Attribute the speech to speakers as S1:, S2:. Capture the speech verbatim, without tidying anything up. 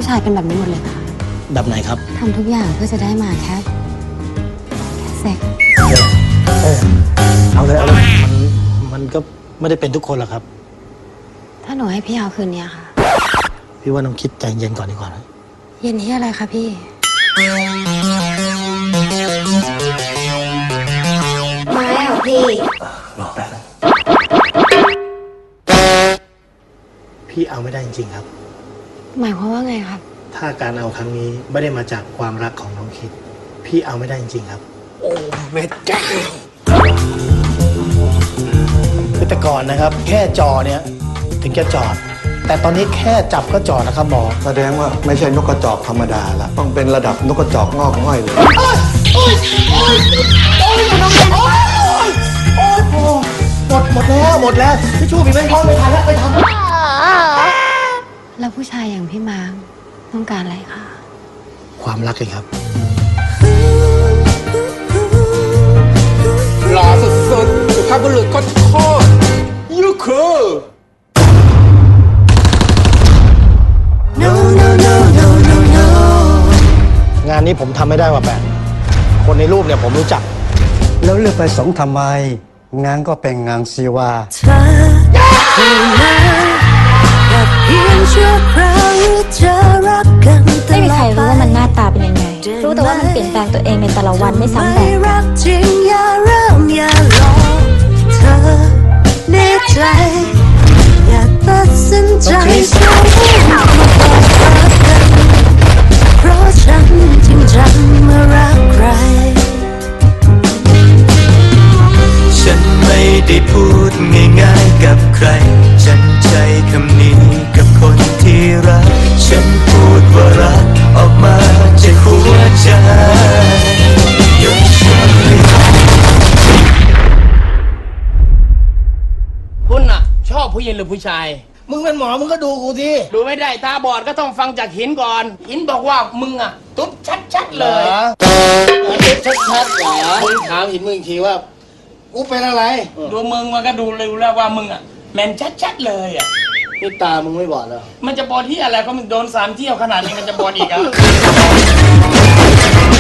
S1: ผู้ชายเป็นแบบนี้หมดเลยค่ะ
S2: แบบไหนครับ
S1: ทำทุกอย่างเพื่อจะได้มาแค่แค่เซ็ก
S2: เออเอาเลยเอาเลยมันมันก็ไม่ได้เป็นทุกคนหรอกครับ
S1: ถ้าหนูให้พี่เอาคืนนี้ค่ะ
S2: พี่ว่าน้องคิดใจเย็นก่อนดีกว่านะ
S1: เย็นที่อะไรคะพี่มาแล้วพี่
S2: รอแป๊บนึงพี่เอาไม่ได้จริงๆครับ
S1: หมายความว่าไงครับ
S2: ถ้าการเอาครั้งนี้ไม่ได้มาจากความรักของน้องคิดพี่เอาไม่ได้จริงๆครับโอ้แม่เจ้าคือแต่ก่อนนะครับแค่จอเนี่ยถึงจะจอดแต่ตอนนี้แค่จับก็จอดนะครับหมอ
S3: แสดงว่าไม่ใช่นกกระจอกธรรมดาละต้องเป็นระดับนกกระจอกงอกง่อยเลย
S2: โอ้ยโอ้ยโอ้ยโอ้ยโอ้ยโอ้ยหมดหมดแล้วหมดแล้วพี่ชูมีไม่พอไม่ทันแล้วไปทำ
S1: แล้วผู้ชายอย่างพี่มาร์คต้องการอะไรคะ
S2: ความรักเลยครับ
S4: หล่อสุดๆสุภาพบุรุษโคตรยูคู
S2: งานนี้ผมทำไม่ได้ว่าแปดคนในรูปเนี่ยผมรู้จัก
S3: แล้วเลือกไปสองทำไมงานก็เป็นงานซีวา
S5: ไม่มีใครรู้ว่ามันหน้าตาเป็นยังไงรู้แต่ว่ามันเปลี่ยนแปลงตัวเองในแต่ละวันไม่ซ้ำแบบกันจริงอย่าเริ่มอย่าลองเธอแน่ใจอย่าตัดสินใจแค่มาบอกกันเพราะฉันจริงจังมารักใคร
S6: ฉันไม่ได้พูดง่ายๆกับใครฉันใช้คำนี้กับคนที่รักฉันพูดว่ารักออกมาจากหัวใจยกฉันให้
S4: คุณน่ะชอบผู้หญิงหรือผู้ชาย
S2: มึงเป็นหมอมึงก็ดูกูสิ
S4: ดูไม่ได้ตาบอดก็ต้องฟังจากหินก่อนหินบอกว่ามึงอ่ะตุ๊ดชัดๆเลย
S2: ตุ๊ดชัดๆเหรอมึงถามหินมึงอีกทีว่ากูเป็นอะไร
S4: ดูมึงมันก็ดูเลยแล้วว่ามึงอ่ะแมนชัดๆเลยอ่ะ
S2: นี่ตามึงไม่บอดเหรอ
S4: มันจะบอดที่อะไรก็มึงโดนสามเที่ยวขนาดนี้มันจะบอดอีกอ่ะ